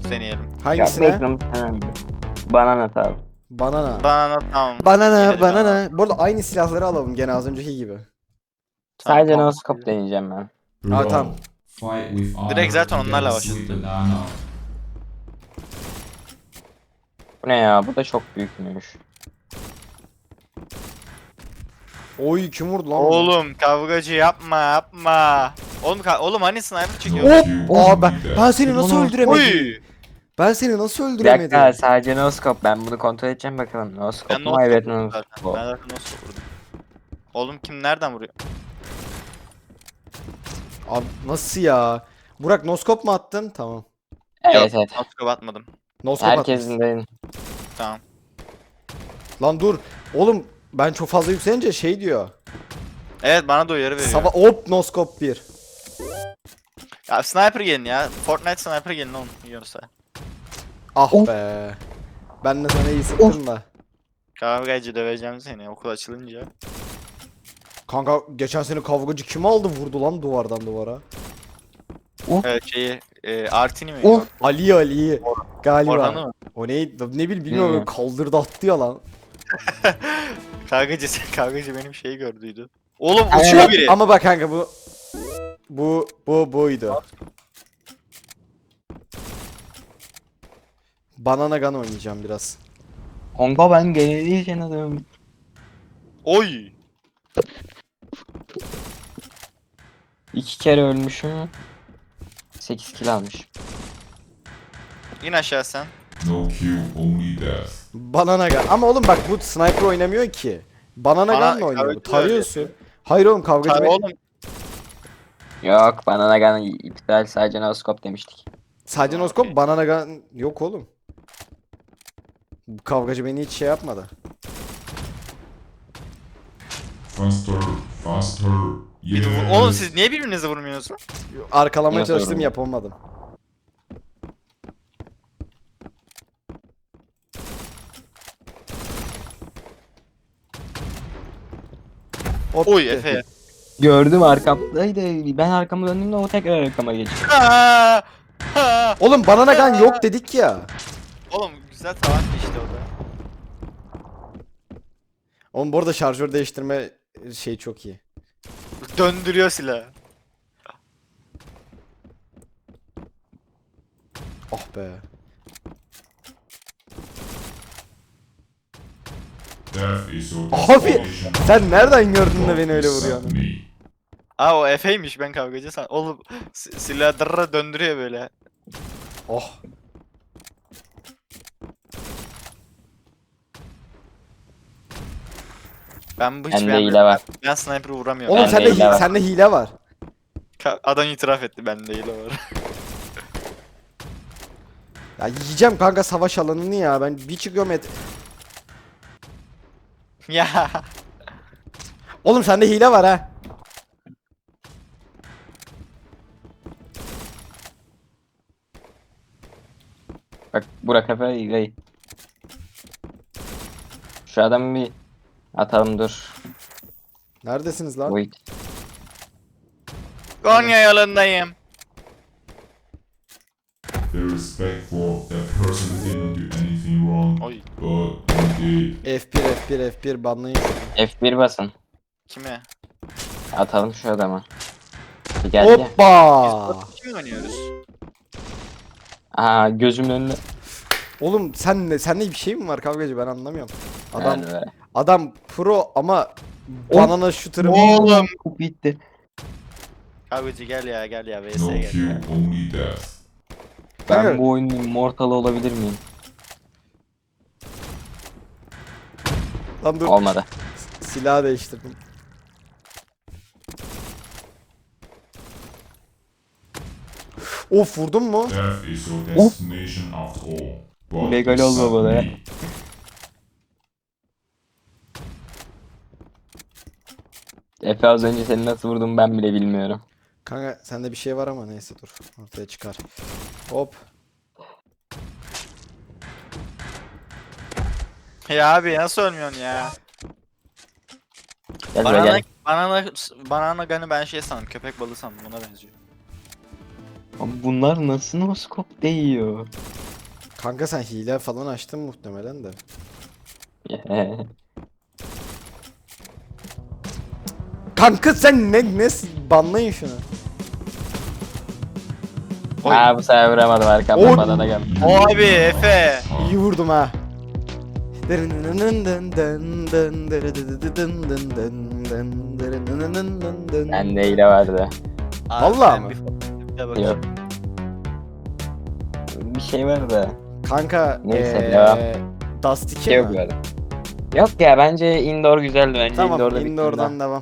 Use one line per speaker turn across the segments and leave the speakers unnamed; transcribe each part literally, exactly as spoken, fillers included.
deneyelim.
Ya
Hangisine?
Magnum tamam. Banana abi.
Banana.
Banana tamam.
Banana,
Gidelim
banana. Bu arada aynı silahları alalım gene az önceki gibi.
Tamam,
Sadece
tamam.
no scope deneyeceğim ben.
Aa, tamam.
Fight with honor
Direkt zaten
and get
onlarla
a
başladık.
sweet banana.
Bu ne ya? Bu da çok büyükmüş.
Oy kim vurdu lan? bunu?
Oğlum kavgacı yapma yapma. Oğlum ka- oğlum hani sniper çekiyor?
Hop!
You
Aa
won't
ben,
do that.
ben seni nasıl
Oğlum,
öldüremedim?
Oy!
Ben seni nasıl
Bir
öldüremedim?
dakika sadece no scope. Ben bunu kontrol edeceğim bakalım. No scope
Ben
mu?
not
Evet
vurdum
no
zaten.
scope.
Ben zaten not vurdum. Oğlum kim nereden vuruyor?
Abi nasıl ya? Burak noskop mu attın? Tamam.
Evet
Yok,
evet.
not atmadım.
Noskop
Herkesin
atmışsın.
de
Tamam.
Lan dur. Oğlum ben çok fazla yükselince şey diyor.
Evet bana da uyarı veriyor.
Sava hop noskop bir.
Ya sniper gelin ya. Fortnite sniper gelin oğlum yiyorsa.
Ah
Of.
be. Ben de sana iyi sıktım da.
Kavgacı döveceğim seni okul açılınca.
Kanka geçen sene kavgacı kim aldı vurdu lan duvardan duvara?
Evet şeyi e, Artini mi?
Of.
Ali Ali galiba.
Orhan'ı mı?
O neydi? Ne bil bilmiyorum
Bilmiyorum.
kaldırdı attı ya lan.
Kavgacı kavgacı benim şeyi gördüydü. Oğlum
Aynen.
uçuyor biri.
Ama bak kanka bu bu bu buydu. Banana Gun oynayacağım biraz.
Honga ben gelirken adam.
Oy.
İki kere ölmüşüm. sekiz kill almış.
İn aşağı sen.
No kill, only death.
Banana Gun. Ama oğlum bak bu sniper oynamıyor ki. Banana
Bana-
Gun'la oynuyor. bu.
kavgacı
Tarıyorsun. Hayır oğlum kavgacı
Tabii
be-
oğlum.
Yok bana gun iptal sadece no scope demiştik.
Sadece
Aa,
noskop
okey.
Banana Gun yok oğlum. Bu kavgacı beni hiç şey yapmadı.
Faster, faster.
Bir de
Yes.
vur- Oğlum siz niye birbirinize vurmuyorsunuz?
Arkalamaya
Nasıl
çalıştım
öyle?
yapamadım. Hop
Oy
gitti.
Efe.
Gördüm arkamdaydı. Ben arkamı döndüğümde o tekrar arkama geçti.
Ha! Ha!
Oğlum Banana Gun yok dedik ya.
Oğlum güzel tavan işte o da.
Oğlum bu arada şarjör değiştirme şey çok iyi.
Döndürüyor silahı.
Ah be.
Death is your
Abi
destination.
sen nereden gördün de beni öyle
Accept
vuruyorsun?
me.
Aa o Efe'ymiş ben kavgacı san. Oğlum si- silahı dırra döndürüyor böyle.
Oh.
Ben bu hiç
Bende
beğenmedim.
hile var.
Ben sniper'ı vuramıyorum.
Oğlum
Bende
sende
hile
hi-
var.
sende hile var.
Ka- Adam itiraf etti bende hile var.
Ya yiyeceğim kanka savaş alanını ya. Ben bir çıkıyorum et.
Ya.
Oğlum sende hile var ha.
Bak Burak Efe Gay. Şu adamı bir atalım dur.
Neredesiniz lan?
Wait.
Konya yolundayım.
The respect for that person who didn't do anything wrong,
Oy.
but he did.
F bir F bir F bir banlayın şunu.
F bir basın.
Kime?
Atalım şu adamı. Bir geldi ya.
Hoppa!
Kim oynuyoruz?
Aha gözümün önünde.
Oğlum sen ne sende bir şey mi var kavgacı ben anlamıyorum. Adam
Yani be.
adam pro ama banana shooter'ı
Oğlum.
Bitti.
Kavgacı gel ya gel ya vs
No
gel ya.
kill, only death.
Ben
Kanka-
bu oyunun immortal olabilir miyim?
Lan dur
Olmadı.
silahı değiştirdim. Of vurdun mu?
Death is your destination after all. But
Legal olma
accept
bana ya.
me.
Efe az önce seni nasıl vurdum ben bile bilmiyorum.
Kanka sende bir şey var ama neyse dur ortaya çıkar. Hop.
Ya abi nasıl ölmüyorsun ya?
Gel buraya
Banana,
gel.
banana, banana gun'ı ben şey sandım köpek balığı sandım ona benziyor.
Abi bunlar nasıl no scope değiyor?
Kanka sen hile falan açtın muhtemelen de. Kanka sen ne ne banlayın şunu.
Aa bu sefer vuramadım arkamdan
Oy.
banana geldi.
O abi Efe.
İyi vurdum ha.
Bende hile vardı.
Abi
Vallahi
ben
mı?
bir fotoğrafa bakayım.
Yok. Bir şey var da.
Kanka
Neyse,
eee
devam.
Dust
Bir
iki
şey yok
mi?
böyle. Yok ya bence indoor güzeldi bence
Tamam
indoor'da
indoor'dan devam.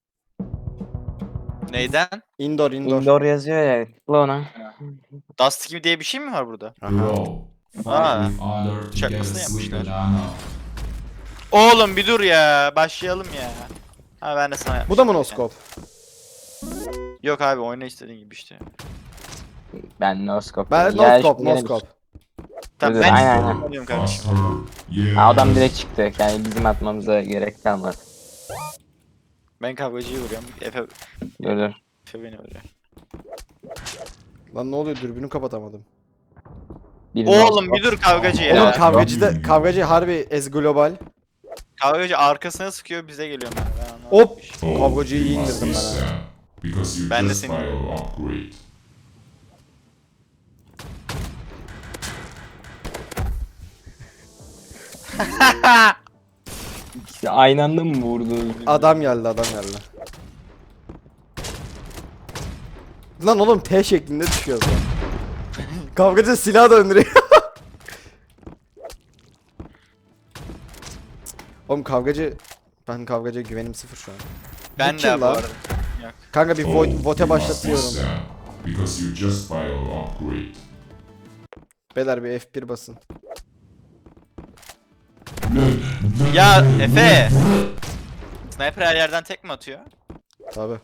Neyden?
Indoor indoor.
Indoor yazıyor ya. Tıkla ona.
Dust gibi diye bir şey mi var burada?
Bro, fight
Ah.
with other to get a
Şakasını
sweet
yapmışlar.
banana.
Oğlum bir dur ya. Başlayalım ya. Ha ben de sana
Bu
yapmışım
da mı
zaten.
noskop?
Yok abi oyna istediğin gibi işte.
Ben no scope.
Ben
diyorum. Ya
noskop
şimdi gene bir-
noskop.
Tamam
Dur,
ben
aynen, aynen.
oynayayım kardeşim.
Faster. Yes.
Aa, adam direkt çıktı. Yani bizim atmamıza gerek kalmadı.
Ben kavgacıyı vuruyorum. Efe,
Dur dur.
Efe beni vuruyor.
Lan ne oluyor dürbünü kapatamadım.
Bir
Oğlum
no
bir dur kavgacı
Oğlum
ya.
kavgacı da kavgacı harbi ez global.
Kavgacı arkasına sıkıyor bize geliyor ben. ben anlamadım.
Hop.
Oh,
Kavgacıyı iyi
you must
indirdim
be
ben ha.
sad, because you
Ben de
just
seni-
buy your upgrade.
İkisi aynı anda mı vurdu?
Adam geldi adam geldi. Lan oğlum T şeklinde düşüyoruz lan. Kavgacı silah döndürüyor. Oğlum kavgacı ben kavgacıya güvenim sıfır şu an.
Ben
Bu
de
kim
bu
lan?
arada. Yok.
Kanka bir
Oh,
vo- vote
you must be
başlatıyorum.
sad, because you just buy your upgrade.
Beyler bir F bir basın.
Ya Efe. Sniper her yerden tek mi atıyor?
Tabi.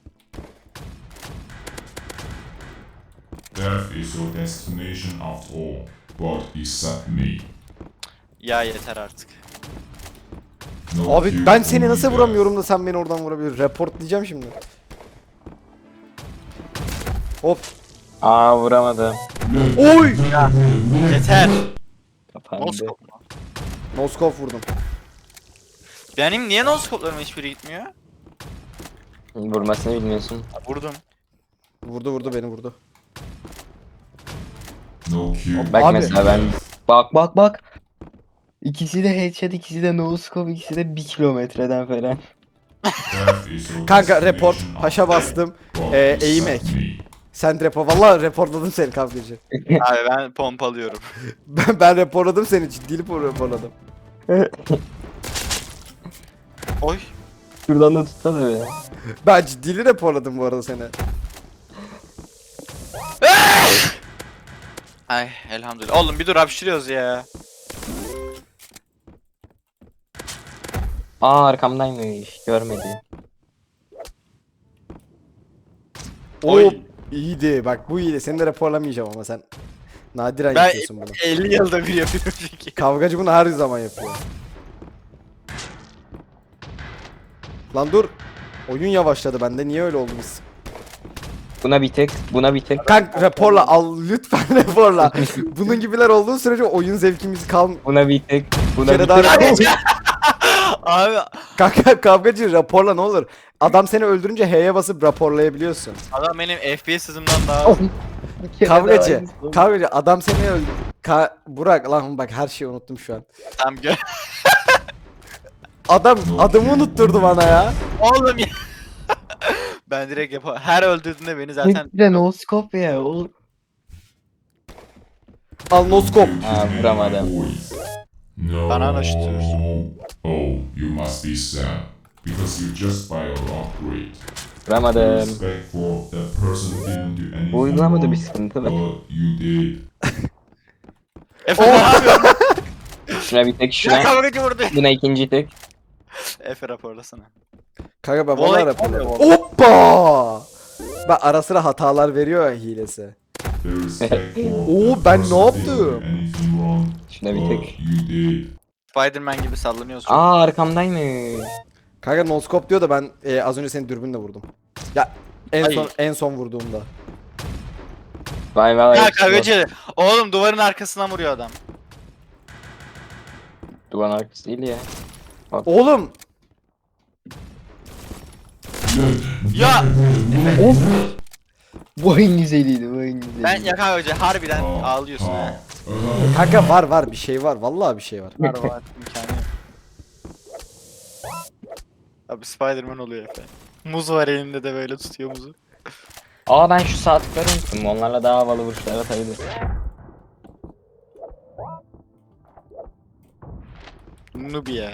Death is your destination after all, but except me.
Ya yeter artık.
No
Abi
cure,
ben seni
only
nasıl
death.
vuramıyorum da sen beni oradan vurabiliyorsun. Report diyeceğim şimdi. Hop.
Aa vuramadım.
Oy!
Yeter.
Kapandı.
Noskop mu?
Noskop vurdum.
Benim niye noskoplarım hiçbiri gitmiyor?
Vurmasını bilmiyorsun.
Ha, vurdum.
Vurdu vurdu beni vurdu.
No cure.
Bak
Abi.
mesela ben bak bak bak. İkisi de headshot, ikisi de no scope, ikisi de bir kilometreden falan.
Death is your
Kanka report
destination
paşa
after all,
bastım.
but
Ee,
except
eğim ek.
me.
Sen report valla reportladım seni kavgacı.
Abi ben pompalıyorum.
Ben, ben reportladım seni ciddi reportladım.
Oy.
Şuradan da tutsana be.
Ben ciddili reportladım bu arada seni.
Ay elhamdülillah. Oğlum bir dur hapşırıyoruz ya.
Aa arkamdaymış. Görmedi.
Oy.
Hop iyiydi bak bu iyiydi. Seni de raporlamayacağım ama sen nadiren
Ben
yapıyorsun bunu.
elli yılda bir yapıyorum çünkü.
Kavgacı bunu her zaman yapıyor. Lan dur. Oyun yavaşladı bende. Niye öyle oldu biz?
Buna bir tek, buna bir tek.
Kank raporla al lütfen raporla. Bunun gibiler olduğu sürece oyun zevkimiz kalm.
Buna bir tek.
Bir
Buna
kere
bir
daha
tek.
rapor-
Abi
Kanka kavgacı raporla ne olur. Adam seni öldürünce H'ye basıp raporlayabiliyorsun.
adam benim F P S hızımdan daha...
Oh. Bir kere daha
Kavgacı,
aynısı.
kavgacı adam seni öldü. Ka Burak lan bak her şeyi unuttum şu an.
Tam gö...
Adam adımı unutturdu bana ya.
Oğlum ya. Ben direkt yapamam. Her öldürdüğünde beni zaten...
Hepsi de no scope ya. O...
Al noskop.
Aa vuramadım.
No.
Banana tutuyorsun.
Oh, you must be sad, because you just buy your upgrade.
Vuramadım.
Respect for that person who didn't do anything
Bu uygulamada
wrong,
bir sıkıntı var.
but you did.
Efe ne yapıyorsun?
Şuna bir tek,
Ya
şuna.
kavgacı vurdu.
Buna ikinci tek.
Efe raporlasana.
Kanka ben
Bu olay
valla
kim
raporla.
oluyor?
Hoppa! Ben ara sıra hatalar veriyor ya hilesi.
The respect for
Oo,
that
ben ne
person who didn't
yaptım?
do anything wrong,
Şuna bir
but
tek.
you did.
Spiderman gibi sallanıyorsun.
Aa arkamdaymış.
Kanka noskop diyor da ben e, az önce seni dürbünle vurdum. Ya en
Ay.
son en son vurduğumda.
Vay vay.
Ya kavgacı. Oğlum duvarın arkasından vuruyor adam.
Duvarın arkası değil ya.
Oğlum.
Ya
Of. Bu en güzeliydi, bu en güzeliydi.
ben ya kavgacı harbiden ağlıyorsun ha.
Kanka var var bir şey var. Vallahi bir şey var.
Var var imkanı yok. Abi Spiderman oluyor efendim. Muz var elinde de böyle tutuyor muzu.
Aa ben şu sağ tıkları unuttum. Onlarla daha havalı vuruşlar atabilirim.
Noob ya.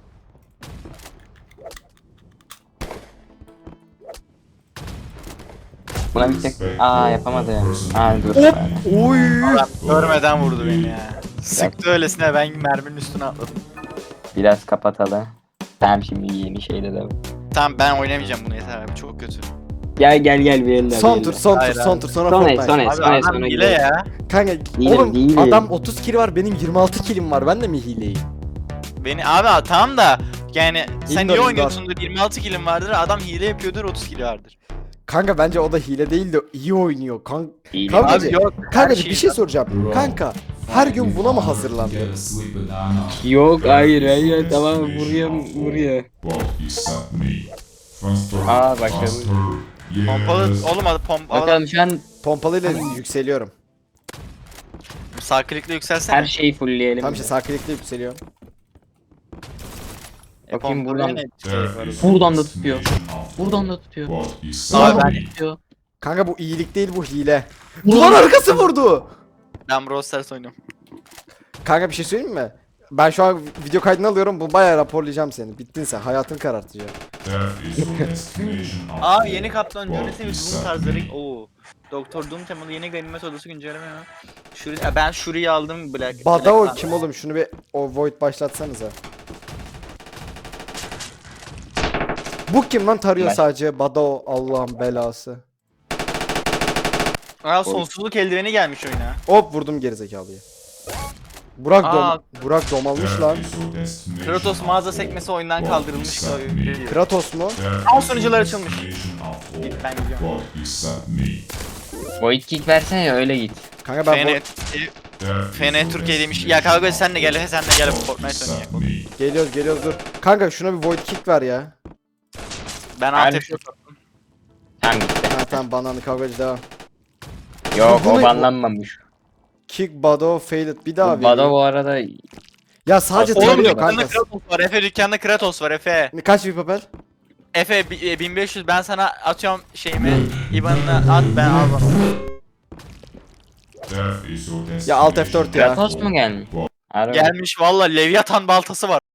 Buna bir tek... Aa yapamadı ya. Aa dur.
Hop. Oy.
Adam görmeden vurdu beni ya. Sıktı öylesine ben merminin üstüne atladım.
Biraz kapatalım. Tamam şimdi yeni şeyde de.
Tamam ben oynamayacağım bunu yeter abi çok kötü.
Gel gel gel bir elle.
Son tur, son tur,
Hayır
son
abi.
tur sonra
Sonra
Fortnite.
sonra
Abi
sonra
adam
sonra
hile
gidelim.
ya.
Kanka
Değilim,
oğlum
değilim.
adam otuz kill var benim yirmi altı killim var. Ben de mi hileyim?
Beni abi tamam da yani sen
İndor,
iyi
indor.
oynuyorsundur yirmi altı kilim vardır adam hile yapıyordur otuz kili vardır.
Kanka bence o da hile değil de iyi oynuyor. Kan
Değilim.
Kanka-
Abi yok.
Kanka
her
bir şey
var.
soracağım. Kanka her gün buna mı hazırlandın?
Yok hayır hayır tamam vuruyor vuruyor. Aa, başladı.
Pompalı oğlum adı pompa.
Bakalım şu an
Pompalıyla yükseliyorum.
Sağ klikle yükselsene.
her şeyi fullleyelim.
Tam işte sağ klikle yükseliyorum.
E,
Bakayım
pompalıya
buradan.
ne gerek var?
Buradan da tutuyor. Buradan da tutuyor.
Abi
Buradan
ben-
da tutuyor.
Kanka bu iyilik değil bu hile. Duvar arkası vurdu.
Ben Brawl Stars oynuyorum.
Kanka bir şey söyleyeyim mi? Ben şu an video kaydını alıyorum. Bu bayağı raporlayacağım seni. Bittin sen. Hayatını karartacağım.
Aa yeni kaptan Johnny ve Doom tarzları. Oo. Doktor Doom temalı yeni ganimet odası güncelleme ya. Shuri, ya ben Shuri'yi aldım Black.
Badao
Black-
kim oğlum? Şunu bir o void başlatsanıza. Bu kim lan tarıyor
Ben.
sadece? Badao Allah'ın belası.
Aa sonsuzluk eldiveni gelmiş oyuna.
Hop vurdum gerizekalıyı. Burak
Aa.
dom Burak domalmış lan.
Kratos mağaza sekmesi oyundan kaldırılmış.
Kratos mu?
Al sunucular açılmış. Git ben gidiyorum.
Void kick versene ya öyle git.
Kanka ben
F N,
vo-
F N Türkiye demiş. Ya kavga sen de gel, sen de gel Fortnite oynayalım.
geliyoruz geliyoruz dur. Kanka şuna bir void kick ver ya.
Ben
Her
alt
şey-
F
Tamam gitti.
Ha tamam bananlı kavgacı devam.
Yok
Bu
o
ne-
banlanmamış.
Kick Badao failed bir daha
Bado
vereyim.
bu arada
Ya sadece
Oğlum,
Oğlum
tarıyor
dükkanda
kanka.
Kratos var. Efe dükkanda Kratos var Efe.
Kaç bir papel?
Efe bi- e, bin beş yüz ben sana atıyorum şeyimi. İban'ını at ben al bana.
Ya alt F dört ya.
Kratos mu gelmiş? Harbi.
Gelmiş valla Leviathan baltası var.